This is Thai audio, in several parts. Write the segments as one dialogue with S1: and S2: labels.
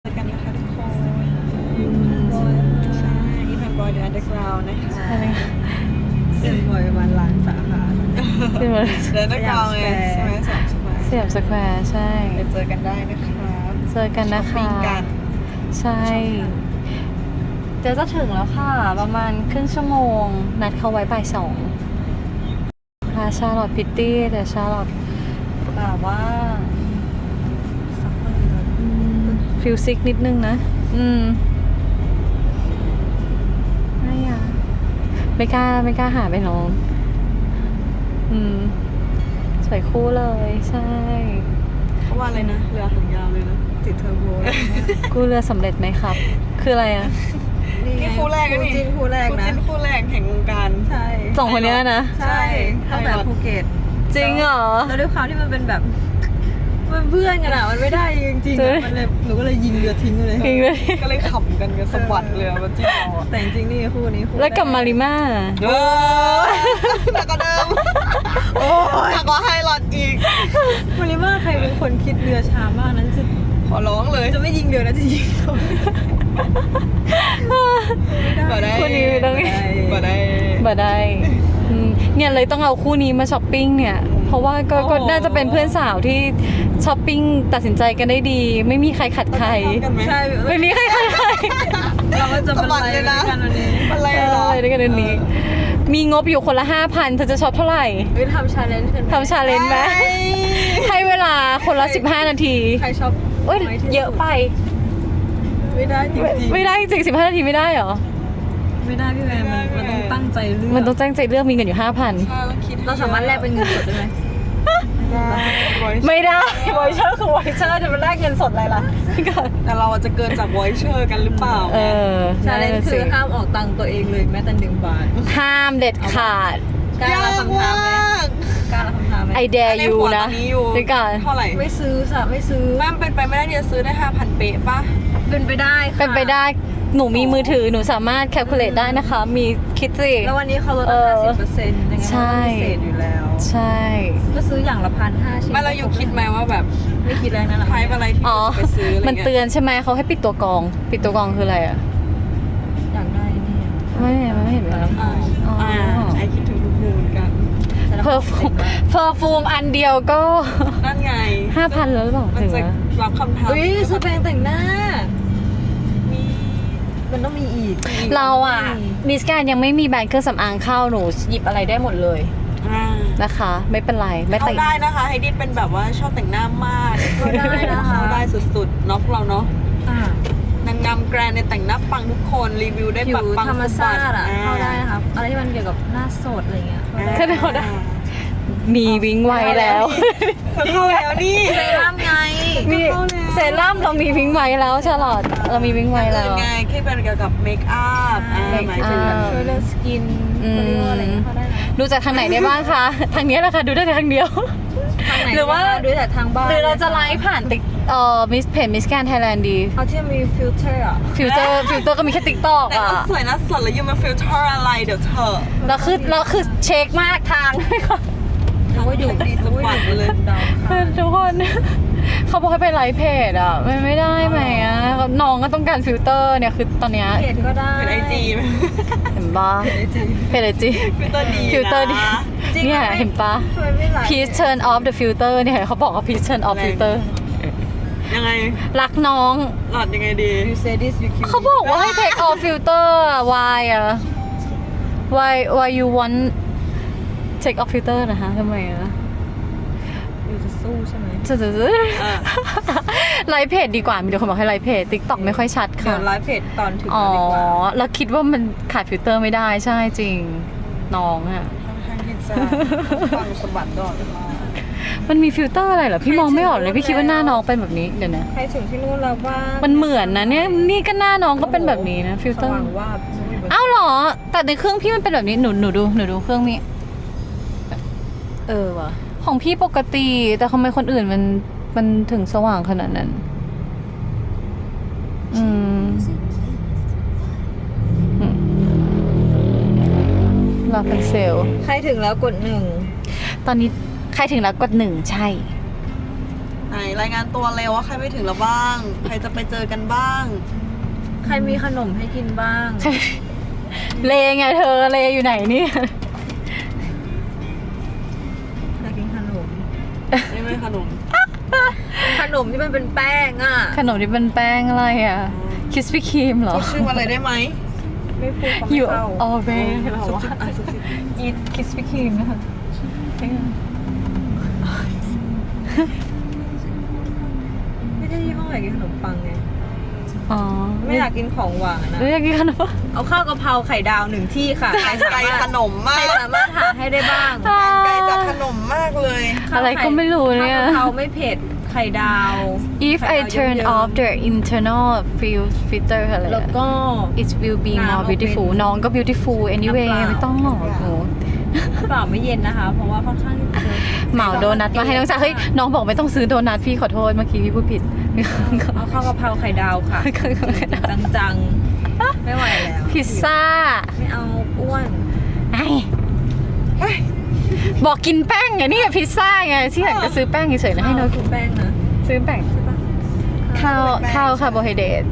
S1: กันนะคะทุกคนใช่อีแพนบอยเดอะอันเดอร์กราวน์นะคะ
S2: เดินบ่อยประมาณล้านสาขา
S1: เดอะอันเดอร์กราวน์ไงใช่ไหม
S3: สยามสแควร์ใช่
S1: ไปเจอกันได้นะครับ
S3: เจอกันนะคะ
S1: ช้อปปิ้งกัน
S3: ใช่เดี๋ยวจะถึงแล้วค่ะประมาณครึ่งชั่วโมงนัดเขาไว้บ่าย 2ค่ะชาลอตพิตตี้แต่ชาลอตแบบว่าฟิลซิกนิดนึงนะไม่กล้าหาไปน้องสวยคู่เลยใช่
S1: เขาว่าอะไรนะเรือหางยาวเลยนะติดเทอร์โบเลย
S3: กู้เรือสำเร็จไหมครับ คืออะไรอ่ะ
S1: นี่คู่แรกนะนี่
S2: คู่แรกนะ
S1: คู่แรกแห่งวงการ
S2: ใช่
S3: สองคนเนี้ยนะ
S2: ใช่ตั้งแต่ภูเก็ต
S3: จริงเหรอ
S2: แล้วด้วยความที่มันเป็นแบบมันเพื่อนกันอะมันไม่ได้จริงๆอะมันเลยหนูก็เลยยิงเรือทิ้งเลย
S3: จริงเลย
S1: ก็เลยขำกันสะบัดเรือมาจิ้มเราอะ
S2: แต่จริงๆนี่คู่นี้คู่
S3: แล้วกับมาริมา
S1: หนักกว่าเดิมหนักกว่าไฮลอตอีก
S2: มาริมาใครเป็นคนคิดเรือช้ามากนั้นจะ
S1: ขอร้องเลย
S2: จะไม่ยิงเรือนะจะยิงเขา
S1: บ่ได้
S3: คู่นี้ไม่ต้อง
S1: บ่ได้
S3: บ่ได้เนี่ยเลยต้องเอาคู่นี้มาช้อปปิ้งเนี่ย เพราะว่าก็น่าจะเป็นเพื่อนสาวที่ช้อปปิ้งตัดสินใจกันได้ดี ไม่มีใครขัดใคร
S2: ใช่
S3: ไม่มีใครขัดใคร
S2: เราก็จะบรรลัยด้วยกันวันนี้
S1: อะไร
S3: เอ
S1: เหรอ
S3: อด้วยกันเดือนนี้ มีงบอยู่คนละ 5,000เธอจะช็อปเท่าไหร่
S2: ทำชาเลนจ์กัน
S3: ทำชาเลนจ์ไหมให้เวลาคนละ15 นาที
S2: ใครชอบ
S3: เอ้ยเยอะไป
S2: ไม่ได้จริง
S3: ไม่ได้จริง15 นาทีไม่ได้เหรอ
S2: ๆไม่ได้พี่แม่มันต้องตั้งใจเลือก
S3: มันต้องตั้งใจเลือกมีเงินอยู่ 5,000
S2: เราสามารถแลกเป็นเงินสดได้ไหม
S3: ไม่ได้วอยเชอร์คือวอยเชอร์จะมาแลกเงินสดอะไรล่ะพี่ก่อน
S1: แต่เราจะเกินจากวอยเชอร์กันหรือเปล่า
S2: ชาเลนจ์คือห้ามออกตังค์ตัวเองเลยแม้แต่1 บาท
S3: ห้ามเด็ดขาด
S2: กล้ารับคำท้าไหมกล้ารับคำท้าไหม
S3: ไอเดียยูนะ
S1: ตอนนี้อยู่
S3: พี่ก่อน
S1: เท่าไหร่
S2: ไม่ซื้อสะไม่ซื้อ
S1: แม่เป็นไปไม่ได้ที่จะซื้อได้ 5,000 เป๊ะป่ะ
S2: เป็นไปได้ค่ะ
S3: เป็นไปได้หนูมีมือถือหนูสามารถแคลคูลเลตได้นะคะ มีคิดสิ
S2: แล้ววันนี้เขาลด 50%ยังไง
S3: ใช่
S2: ก็พิเศษอยู่แล้ว
S3: ใช่
S2: ก็ซื้ออย่างละ1,500 ชิ้น
S1: ไม่เราอยู่คิดไหมว่าแบบ
S2: ไม่คิดอะไรนั่นแหละ
S1: ไทป์อะไรที่
S3: อ๋อ
S1: จะไปซื้ออะไร
S3: มัน
S1: เงี้ย
S3: เตือนใช่ไหมเขาให้ปิดตัวกรอง ปิดตัวกรองคืออะไรอ่ะ
S2: อยากได้นี่
S3: ไม่เห็นเลย
S1: อ่า
S3: อ๋อ
S1: ไอคิดถึงทุกมูเหมือนกัน
S3: เพอร์ฟูมอันเดียวก็
S1: นั่นไง
S3: 5,000แล้วหรือเปล่า
S1: มัน
S3: ถึง
S1: จะ
S3: แล้ว
S1: รับคำถาม
S2: เฮ้ยซื้อแปรงแต่งหน้า
S1: มี
S2: มันต้องมีอีก
S3: เราอ่ะมิสแกนยังไม่มีแบรนด์เครื่องสำอางเข้าหนูหยิบอะไรได้หมดเลยนะคะ ไม่เป็นไรไม่
S1: เขา
S3: แต่ง
S1: ได้นะคะไฮดิสเป็นแบบว่าชอบแต่งหน้ามาก
S2: เขาได้นะคะ
S1: เขาได้สุดๆเนาะพวกเราเนาะ
S2: อ่ะ
S1: นางงามแกรนในยแต่งหน้าปังทุกคนรีวิวได้
S2: ผิ
S1: ปั
S2: ว
S1: งปัง
S2: ธรรมชาติอ่ะ
S1: สะบั
S2: เข้าได้นะครับอะไรที่มันเกี่ยวกับหน้าสดอะไรเงี้ยเข้าได้
S3: ก็ได้มีวิงไว้แล้ว
S1: เข้าแล้วนี่
S2: เซรั่มไง
S3: มีเซรั่มเรามีวิงไว้แล้วชาลอตเรามีวิงไว้แล้ว
S1: ไงแค่เป็นเกี่ยวกับเมคอัพ
S3: make
S1: หมายถึงแบบ
S2: ช่วยเรื่องสกินเขาเรียกว่าอะไรนะเข้าได้นะ
S3: ดูจากทางไหนได้บ้างคะ ทางนี้แหละค่ะดูได้แต่ทางเดียว
S2: ทางไหน
S3: หรือว่า
S2: ดูแต่ทางบ้าน
S3: หรือเราจะไลฟ์ผ่านติ๊กมิสเพจมิสแกนไทยแลนด์ดี
S2: เอาที่มีฟิลเตอร์อ่ะ
S3: ฟิลเตอร์ก็มีแค่ติ๊กต็อก
S1: แต่
S3: อ่ะ
S1: ก็สวยนะสดแล้วยูมาฟิลเตอร์อะไรเดี๋ยวเธอ
S3: เราคือเช็คมากทาง
S2: เขาก็อยู่
S1: ดีสปอร์ตเลย
S2: ดาวค่ะ
S3: ทุกคน เขาบอกให้ไปไลฟ์เพจอ่ะไม่ได้ไหมอ่ะน้องก็ต้องการฟิลเตอร์เนี่ยคือตอนเนี้ย
S2: เพจก็ได้
S1: เป็นไอจี
S3: เห็นปะเพจไอจี
S1: ฟิลเตอร์ดี
S3: ฟิลเตอร์ดี
S1: นะ
S3: เนี่ยเห็นปะ
S2: ช่วยไม่ไหล
S3: please turn off the filter เนี่ยเขาบอกว่า please turn off filter
S1: ยังไง
S3: รักน้อง
S1: หลอดยังไงดี
S2: ยูเซดิสยูคิว
S3: เขาบอกว่าให้ take off filter อะ why อะ why you want take off filter นะคะทำไมอะ
S2: อยู่จะสู้ใช่ไหม
S3: จะไลฟ์เพจดีกว่ามีแต่คนบอกให้ไลฟ์เพจ TikTok ไม่ค่อยชัด
S2: เดี๋
S3: ค่ะ
S2: ยวไลฟ์เพจตอนถึง
S3: อ๋อ
S2: ดีกว่า
S3: แล้วคิดว่ามันขาดฟิลเตอร์ไม่ได้ใช่จริงน้องอะ
S1: ค่อนข้างที่จะฟังสะบัดตลอดเวลา
S3: มันมีฟิลเตอร์อะไรเหรอพี่มองไม่ออกเลยพี่คิดว่าหน้าน้องเป็นแบบนี้เดี๋ยวนะ
S2: ใครถึงที่นู่นแล้วบ้าง
S3: มันเหมือนนะเนี่ยนี่ก็หน้าน้องก็เป็นแบบนี้นะฟิลเตอร์
S2: สว่างว่าบ
S3: อ้าวเหรอแต่ในเครื่องพี่มันเป็นแบบนี้หนูดูเครื่องนี้ว่ะของพี่ปกติแต่ทำไมคนอื่นมันถึงสว่างขนาดนั้นรอเป็นเซลล์
S2: ใครถึงแล้วกด 1
S3: ตอนนี้ใครถึงแล้วกด1ใช่
S1: ไหนรายงานตัวเร็วว่าใครไปถึงแล้วบ้าง ใครจะไปเจอกันบ้าง
S2: ใครมีขนมให้กินบ้าง
S3: เลไงเธอเลอยู่ไหนเนี่ย
S2: อยากกินขนม
S1: นี่ไม่ขนม
S2: ขนมที่มันเป็นแป้งอ่ะ
S3: ขนมที่เป็นแป้งอะไรอ่ะคิสปี้ครีมเหรอ
S1: พูดชื่อมาเลยได้ไหม
S2: ไม่พูดเขา
S3: อ
S2: ไม่
S3: ยู่
S2: เข้า
S3: ออเบเหรอ
S1: ซุบ
S3: วะ
S1: ซิบอ่ะซุบซิบ
S3: อีทคิสปี้ครีมนะคะ
S2: ไม่ได้ยี่ห้ออยากกินขนมปังไง
S3: อ๋อ
S2: ไม่อยากกินของหวานนะ
S3: แล้วอยากกินขนม
S2: เอาข้าวกะเพราไข่ดาว1 ที่ค่ะ ใครสา
S1: ไกล
S2: มารถ
S1: ขนมมา
S2: ใคร
S1: ก
S2: สามารถหาให้ได้บ้าง
S1: ไกลจากขนมมากเลย
S3: อะไรก็ไม่รู้เนี่ย
S2: ข้าวกะเพราไม่เผ็ดไข่ดาว
S3: If I turn off the internal filter อะไร
S2: แล้วก็
S3: it will be
S2: น้ำ
S3: more
S2: เอาเป็น
S3: beautiful น้องก็ beautiful anyway
S2: น้ำเปล่า
S3: ไม่ต้องหรอกหนู
S2: เปล่าไม่เย็นนะคะ เพราะว่าค่อนข้างที่จะ
S3: เหมาโดนัทมาให้น้องจ๋าเฮ้ยน้องบอกไม่ต้องซื้อโดนัทพี่ขอโทษเมื่อกี้พี่พูดผิด
S2: เอาข้าวกะเพราไข่ดาวค่ะจังๆไม่ไหวแล้ว
S3: พิซซ่า
S2: ไม่เอาอ้วน
S3: ไอ้บอกกินแป้งไงนี่พิซซ่าไงที่อยากจะซื้อแป้งเฉยๆนะให้น้อง
S2: กินแป้งนะ
S3: ซื้อแป้ง
S2: ใช่ปะ
S3: ข้าวคาร์โบไฮเดรต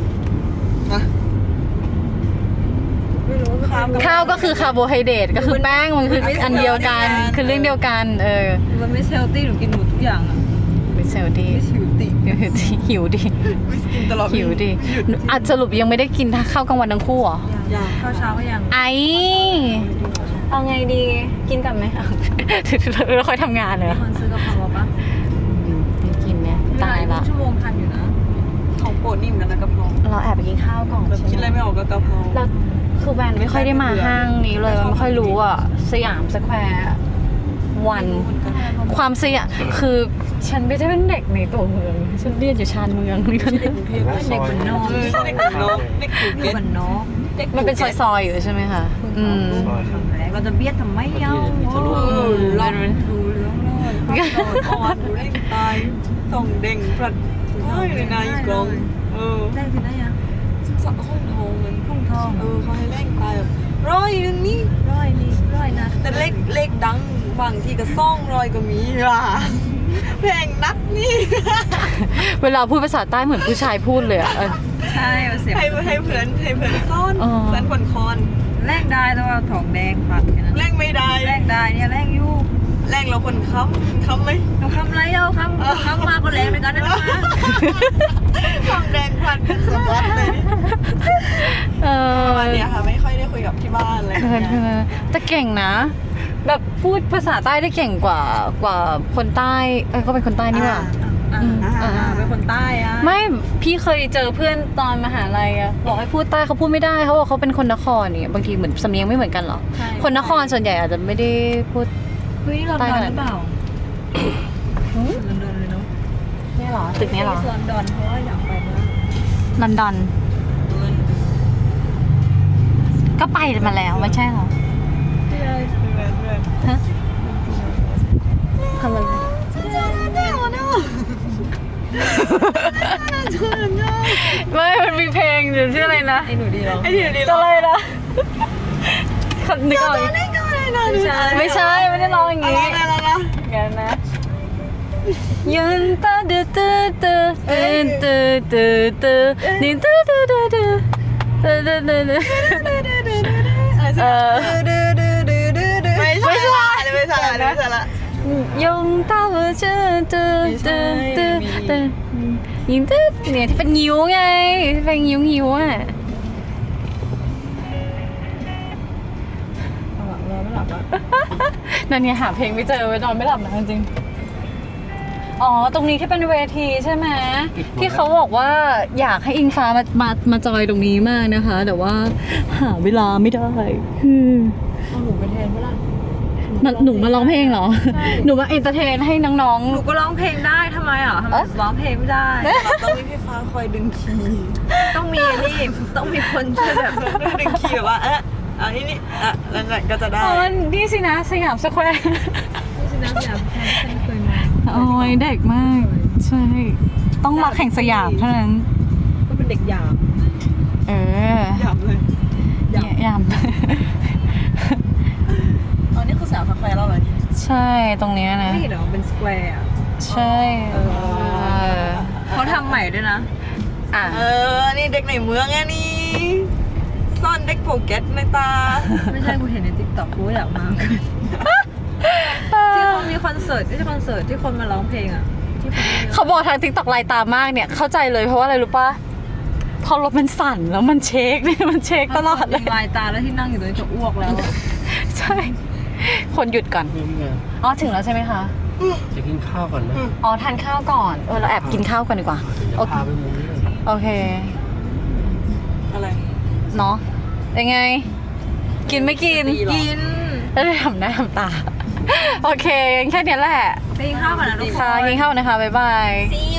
S2: ไม่รู้ว่า
S3: ข้าวก็คือคาร์โบไฮเดรตก็คือแป้งมันคืออันเดียวกันคือเรื่องเดียวกัน
S2: มันไม่เซลตี้หนูกินหมดทุกอย่างอ่ะ
S3: ไม่เซลดี
S2: ไม่ชิวติ
S3: หิวดิ
S1: ไม่กินตลอด
S3: หิวดิอาจสรุปยังไม่ได้กินข้าวกลางวันทั้งคู่เหรอ
S2: ยังข้าวเช้าก็ยัง
S3: ไอเอาไงดีกินกันไหมเราค่อยทำงานเลย
S2: คนซื้อกะเพราปะ
S3: ไม่กินเนี่ยตายละ
S2: ชั่วโมงทันอยู่นะ
S1: ของโปรดนิ่มกันนะกะเพรา
S3: เราแอบไปกินข้าวก่อน
S1: แบบคิดอะไรไม่ออกกับกะเพรา
S3: เราคือแวนไม่ค่อยได้มาห้างนี้เลยมันไม่ค่อยรู้อ่ะสยามสแควร์วันความสยามคือฉันไม่ได้เป็นเด็กในตัวเมืองฉันเรียนอยู่ชานเมืองนี่ก็
S1: เด็กกรุงเทพไม่ใช่เด็กบ้านนอกเด็กบ้านนอกเด็กกรุงเทพ
S2: มันเนาะ
S3: มันเป็นซอยๆอยู่ใช่ไหมคะอืม
S2: เราจะเบียดทำไมเอ้า
S1: เราดูเรื่องเลยอ่อนดูเร่งตายส่องเด้งพลัดเลยนายกลอง
S2: ได้สิได้ยัง
S1: สักห้องทองเงิน
S2: พุ่งทอง
S1: เขาให้เร่งตายแบบร้อยนึงนี่
S2: ร้อยนะ
S1: แต่เลขดังบางทีก็200ก็มีอ่ะแพงนักนี่
S3: เวลาพูดภาษาใต้เหมือนผู้ชายพูดเลยอ่ะ
S2: ใช่เสียง
S1: ให้เพื่อนซ่อนเพื่อนผ่อนคอน
S2: แลกได้แต่ว่าทองแดงปัดกันนะ
S1: แรงไม่ได้
S2: แลกได้เนี่ยแลกอยู่
S1: แรงเราคนค้ำไหม
S2: เราคำไรเอาคำมาก็แรงในกันนะคะ
S1: ทองแดงพันเป็นสวัสดเลยวันนี้ค่ะไม่ค่อยได้คุยกับที่บ้านเลย
S3: แต่เก่งนะ แบบพูดภาษาใต้ได้เก่งกว่าคนใต้ก็เป็นคนใต้นี่หว่า
S2: เป็นคนใต้อะ
S3: ไม่พี่เคยเจอเพื่อนตอนมหาลัยอะบอกให้พูดใต้เขาพูดไม่ได้เขาบอกเขาเป็นคนนครเนี่ยบางทีเหมือนสำเนียงไม่เหมือนกันหรอคนนครส่วนใหญ่อาจจะไม่ได้พูด
S2: เฮ้ยลอนดอนหรือเปล่าลอนดอนเลยเนาะ
S3: นี่หรอตึกนี้หรอ
S2: ลอนดอนเพราะว่าอยากไปมาก
S3: ลอนดอนก็ไปมาแล้วไม่ใช่หรอฮะทำอะไรไม่มันมีเพลงหรือชื่ออะไรนะ
S2: ไอ้หนูดีร้อง
S1: ไอ้ที่ดี
S3: อะไรนะนึกออก ไม่ใช่ไม่ได้ร้องอย่างงี้
S1: อะไรนะ
S3: งั้นนะยืนตาดื้อตื้อตื้อตื้อตื้อตื้อนี่ตื้อตื้อตื้อตื้อตื้อตื้อตื้อ
S1: ไม่ใช่ละ
S3: ยงตาตื้อตื้อตื้อตื้อตื้อยิงตื้อเนี่ยที่เป็นงิ้วไงที่เป็นงิ้วอ่ะ
S2: นอนไม่หลับอ่ะ
S3: นั่นเนี่ยหาเพลงไม่เจอไว้นอนไม่หลับนะจริงอ๋อตรงนี้ที่เป็นเวทีใช่ไหมที่เขาบอกว่าอยากให้อิงฟ้ามาจอยตรงนี้มากนะคะ แต่ว่าหาเวลาไม่ได้
S2: เอาหนูไปแทนเมื่อไหร่
S3: หนูมาร้องเพลงเหรอหนูมาเอนเตอร์เทนให้น้อง
S2: หนูก็ร้องเพลงได้ทำไมอ่ะทำไมร้องเพลงไม่ได้
S1: ต้องมีพี่ฟ้าคอยดึงคีย์
S2: ต้องมีนี่ต้องมีคนช่วยแบบ
S1: ดึงคีย์แบบว่าอันนี้แล้วนั่นก็จะ
S3: ๆ
S1: ได้
S3: อ๋อนี่สินะสยามสแควร์
S2: นี่สินะอยากฉันเคยมา
S3: โอ้ยเด็กมากใช่ต้องรักแห่งสยามเท่านั้น
S2: ก็เป็นเด็กหยาบ
S3: เออ
S1: หยับเลย
S3: ยาม
S1: อ๋อนี่คือสาวคาเฟ่แล้วเหรอนี่
S3: ใช่ตรงเนี้ยนะ
S2: ไม่เห็นหรอเป็นสแควร์อ่ะ
S3: ใช่เออ
S2: เขาทำใหม่ด้วยนะ
S3: อ่ะ
S1: นี่เด็กในเมืองไงนี่ซ่อนเด็กโปเก็ตในตา
S2: ไม่ใช่กูเห็นในติ๊กต็อกกูอยากมาเหมือนกันที่เขามีคอนเสิร์ตที่คอนเสิร์ตที่คนมาร้องเพลงอ่ะที่คนเยอะ
S3: เขาบอกทางติ๊กต็อกลายตามากเนี่ยเข้าใจเลยเพราะว่าอะไรรู้ปะพอรถมันสั่นแล้วมันเช็คเนี่ยมันเช็คตลอดเลย
S2: ลายตาแล้วที่นั่งอยู่ตรงนี้จะอ้วกแล้วอะ
S3: ใช่ คนหยุดก่อน
S4: นี่ไง
S3: อ๋อถึงแล้วใช่ไหมคะ
S4: จะกินข้าวก่อนนะ
S3: อ๋อทานข้าวก่อนเราแอบกินข้าวก่อนดีกว่า
S4: เดี๋ยวพาไปมุมนี้
S3: โอเค
S1: อะไร
S3: เนาะยังไง กินไม่กิน
S2: กิน
S3: แล้วได้ทำหน้าทำตา โอเคงั้นแค่เนี้ยแหละ
S2: ไปกินข้าวก่อนนะทุกค
S3: ค่ะ
S2: น
S3: กินข้าวนะคะบ๊ายบาย
S2: See you